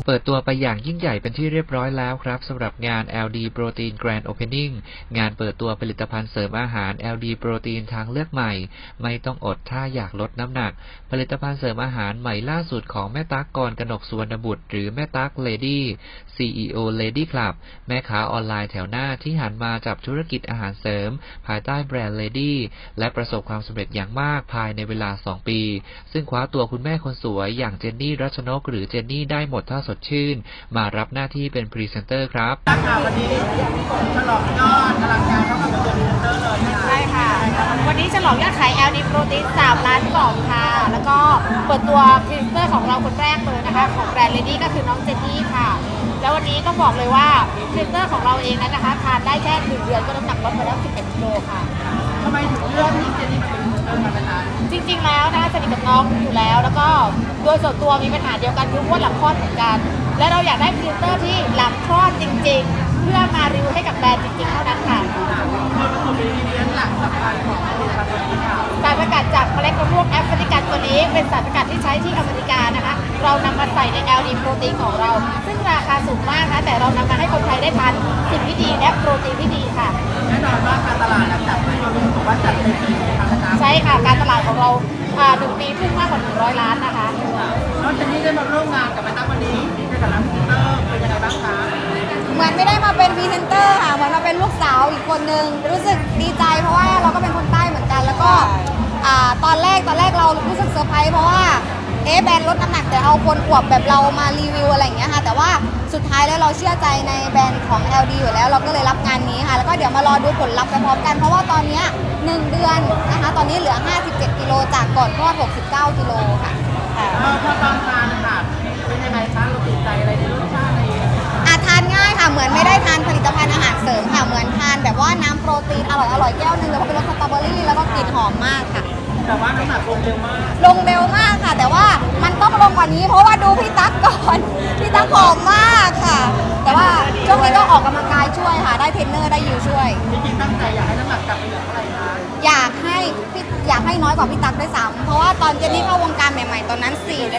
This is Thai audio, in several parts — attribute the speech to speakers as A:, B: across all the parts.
A: ปิดตัวไปอย่างยิ่งใหญ่เป็นที่เรียบร้อยแล้วครับสำหรับงาน LD Protein Grand Opening งานเปิดตัวผลิตภัณฑ์เสริมอาหาร LD Protein ทางเลือกใหม่ไม่ต้องอดถ้าอยากลดน้ำหนักผลิตภัณฑ์เสริมอาหารใหม่ล่าสุดของแม่ตั๊กกรกนกสุวรรณบุตรหรือแม่ตั๊ก Lady CEO Lady Club แม่ค้าออนไลน์แถวหน้าที่หันมาจับธุรกิจอาหารเสริมภายใต้แบรนด์ Lady และประสบความสำเร็จอย่างมากภายในเวลา 2 ปีซึ่งคว้าตัวคุณแม่คนสวยอย่างเจนนี่รัชนกหรือเจนนี่ได้หมดท่าสดชื่นมารับหน้าที่เป็นพรีเซนเตอร์ครับ
B: วันนี้ฉลองยอดอลังการเท่ากับเป็นพรีเซนเตอร์เลย
C: ใช่ค่ะวันนี้ฉลองยอดขาย LD Protein 3 ล้านกล่องค่ะแล้วก็เปิดตัวพรีเซนเตอร์ของเราคนแรกเลยนะคะของแบรนด์ Lady ก็คือน้องเจนนี่ค่ะแล้ววันนี้ต้องบอกเลยว่าพรีเซนเตอร์ของเราเองนั้นนะคะทานได้แค่1 เดือนก็น้ำหนักลดไปแล้ว11 กิโลค่ะ
B: ทำไมถึงเลือกที่เจนนี่เป็นพรีเซนเตอร์มาเป็นนาน
C: จริงๆแล้วนะคะสนิทกับน้องอยู่แล้วแล้วก็โดยส่วนตัวมีปัญหาเดียวกันคืออ้วนหลังคลอดเหมือนกันและเราอยากได้พรีเซนเตอร์ที่หลังคลอดจริงๆเพื่อมารีวิวให้กับแบรนด์จริงๆเท่านั้นค่ะ
B: ส่วนผสมอินกรีเดียนหลักสำคัญของผลิตภัณฑ์ตัวนี้ค่ะ
C: สารสกัดจากเมล็ดมะม่วงแอฟริกันตัวนี้เป็นสารสกัดที่ใช้ที่อเมริกานะคะเรานำมาใส่ใน LD โปรตีนของเราซึ่งราคาสูงมากนะแต่เรานำมาให้คนไทยได้ทานสิ่งที่ดีและโปรตีนที่ดีค่ะ
B: แน่นอนว่าการตลาดจัดให้เรารู้สึกว่าจัดเต็มที่นะคะ
C: ใช่ค่ะการตลาดของเรา1 ปีพุ่งมากกว่า100 ล้านนะคะ
B: น้องเจนนี่ได้มาร่วมงานกับแม่ตั๊กวันนี้ในฐานะพรีเซนเตอร์เป็นยังไงบ้างคะ
D: เหมือนไม่ได้มาเป็นพรีเซนเตอร์ค่ะเหมือนมาเป็นลูกสาวอีกคนนึงรู้สึกดีใจเพราะว่าเราก็เป็นคนใต้เหมือนกันแล้วก็ตอนแรกเรารู้สึกเซอร์ไพรส์เพราะว่าแบรนด์ลดน้ำหนักแต่เอาคนอวบแบบเรามารีวิวอะไรอย่างเงี้ยค่ะแต่ว่าสุดท้ายแล้วเราเชื่อใจในแบรนด์ของ LD อยู่แล้วเราก็เลยรับงานนี้ค่ะแล้วก็เดี๋ยวมารอดูผลลัพธ์ไปพร้อมกันเพราะว่าตอนนี้1 เดือนนะคะตอนนี้เหลือ57 กิโลจากก่อนคลอด69 กิโลค่ะ
B: พอตอนทานค่ะเป็นยังไงคะเราติดใจอะไรในรสชาติอะไร
D: ทานง่ายค่ะเหมือนไม่ได้ทานผลิตภัณฑ์อาหารเสริมค่ะเหมือนทานแบบว่าน้ำโปรตีนอร่อยแก้วนึงแล้วก็เป็นรสสตรอเบอรี่แล้วก็กลิ่นหอมมากค่ะ
B: แต่ว่าน้ำหนักลงเร็วมาก
D: ค่ะแต่ว่ามันต้องลงกว่านี้เพราะว่าดูพี่ตั๊กก่อนพี่ตั๊กผอมมากค่ะแต่ว่าช่วงนี้ก็ออกกำลังกายช่วยค่ะได้เทรนเนอร์ได้อยู่ช่วย
B: จริงๆตั้งใจอยากให้น้ำหนักกลับไปเหลือเท่าไหร่คะ
D: อยากให้น้อยกว่าพี่ตั๊กด้วยซ้ำเพราะว่าตอนเจนนี่เข้าวงการใหม่ๆตอนนั้น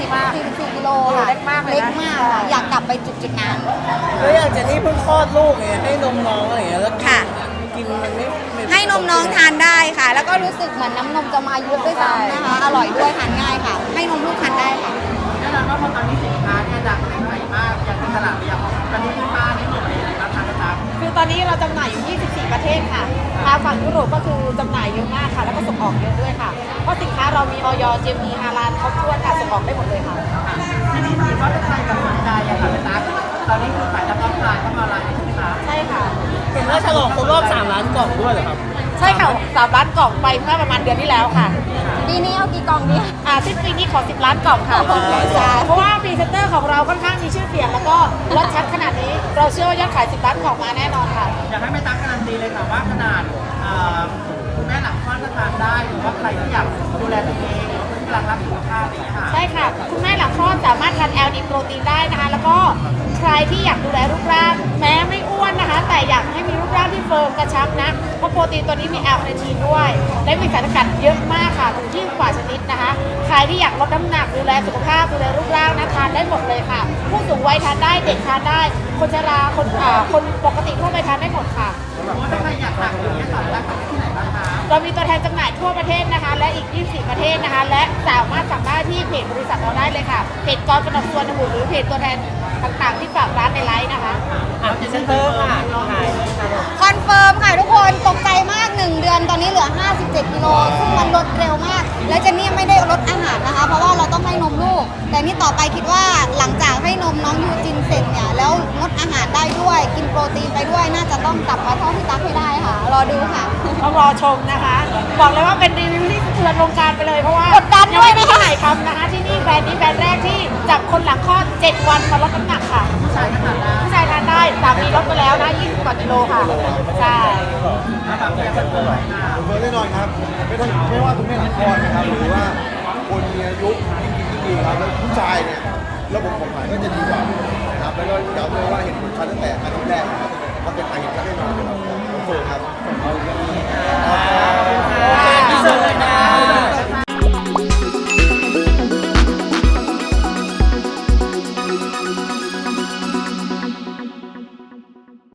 D: 44 กิโลค่ะเล็กมากค่ะอยากกลับไปจุดนั้น
B: แล้วอย่างเจนนี่เพิ่งคลอดลูกไงให้นมน้องอะไรอย่างเงี้ยแล้วกินมันไม่
D: ให้นมน้องทานได้ค่ะแล้วก็รู้สึกเหมือนน้ำนมจะมายุบด้วยซ้ำนะคะอร่อยด้วยทานง่ายค่ะให้นมลูกทานได้ค่ะ
B: แน่นอนว่าตอนนี้สินค้าเนี่ยดังในไทยมากอย่างตลาดอย่างตอนนี้คุณป้าได้หมดเลยนะคะทางกระตับ
C: คือตอนนี้เราจำหน่ายอยู่24 ประเทศค่ะทางฝั่งยุโรปก็คือจำหน่ายเยอะมากค่ะแล้วก็ส่งออกเยอะด้วยค่ะเพราะสินค้าเรามีออยเจมีฮาลาลครบถ้วนค่ะส่งออกได้หมดเลยค่ะ
B: ทีนี้ถือว่าเป็นใครกับสนใจอะค่ะกระตับตอนนี้คือขายทั้งออฟไลน์ทั้งออนไลน์ใช่ไหมคะ
C: ใช่ค่ะ
B: เห็นว่าฉลองครบรอบ3 ล้านกล่องด้วยเหรอครับ
C: ใช่ค่ะ3 ล้านกล่องไปเมื่อประมาณเดือนที่แล้วค่ะ
D: ปีนี้เอากี่กล่องดี
C: สิ้นปีนี้ขอ10 ล้านกล่องค่ะเพราะว่าพรีเซนเตอร์ของเราค่อนข้างมีชื่อเสียงแล้วก็รสชัดขนาดนี้เราเชื่อว่ายอดขาย10 ล้านกล่องมาแน่นอนค่ะ
B: อยากให้แม่ตั๊กการันตีเลยค่ะว่าขนาดคุณแม่หลังคลอดก็ทานได้หรือว่าใครที่อยากดูแลตัวเองหรือคนที่กำลังรักสุขภาพอะไรอย่างเงี้ยค่ะ
C: ใช่ค่ะคุณแม่หลังคลอดสามารถทาน LD โปรตีนได้นะคะแล้วก็ใครที่อยากดูแลรูปร่างแม้ไม่อ้วนนะคะแต่อยากให้มีรูปร่างที่เฟิร์มกระชับนะเพราะโปรตีนตัวนี้มีแอลคาเนทีนด้วยและมีสารสกัดเยอะมากค่ะถึงที่กว่าชนิดนะคะใครที่อยากลดน้ำหนักดูแลสุขภาพดูแลรูปร่างนะทานได้หมดเลยค่ะผู้สูงวัยทานได้เด็กทานได้คนชราคนปกติทั่วไปทานได้หมดค่ะ
B: ถ้าใครอยากสั่งอย่างนี้ยค่ะแล้วที่ไหนบ้างคะ
C: เรามีตัวแทนจำหน่ายทั่วประเทศนะคะและอีก24 ประเทศนะคะและสามารถสั่งได้ที่เพจบริษัทเราได้เลยค่ะเพจกรกนกสุวรรณบุตรหรือเพจตัวแทนต่างๆที่ฝากร้านในไลน์นะคะ
B: พรีเซนเตอร์ค่ะ
D: คอนเฟิร์มค่ะทุกคนตกใจมาก1 เดือนตอนนี้เหลือ57 กิโลซึ่งมันลดเร็วมากและเจนนี่ไม่ได้ลดอาหารนะคะเพราะว่าเราต้องให้นมลูกแต่นี่ต่อไปคิดว่าหลังจากให้นมน้องยูจินเสร็จเนี่ยแล้วงดอาหารได้ด้วยกินโปรตีนไปด้วยน่าจะต้องกลับมาเท่าพี่ตั๊กให้ได้ค่ะรอดูค่ะ
C: ต้องรอชมนะคะบอกเลยว่าเป็นรีวิวที่สะเทือนวงการไปเลยเพราะว่าก
D: ดดันด้วย
C: นะคะที่ไหนทำนะคะที่นี่แบรนด์นี้แบรนด์แรกที่จับคนหลังคลอด7 วันมาลดน้ำหนักค่ะ
B: ผู้ชายทานได้
C: สามีลดไปแล้วนะ20 กว่ากิโลค่ะใช่
E: แน่นอนครับไม่ว่าคุณแม่หลังคลอดนะครับหรือว่าคนมีอายุยิ่งดีครับแล้วผู้ชายเนี่ยระบบของมันก็จะดีกว่านะครับแล้วก็ย้ำเลยว่าเห็นผลชัดตั้งแต่อาทิตย์แรกนะครับมันเป็นอายุแน่นอนครับโอเคครับ
B: โอเคที่สุดเลยนะ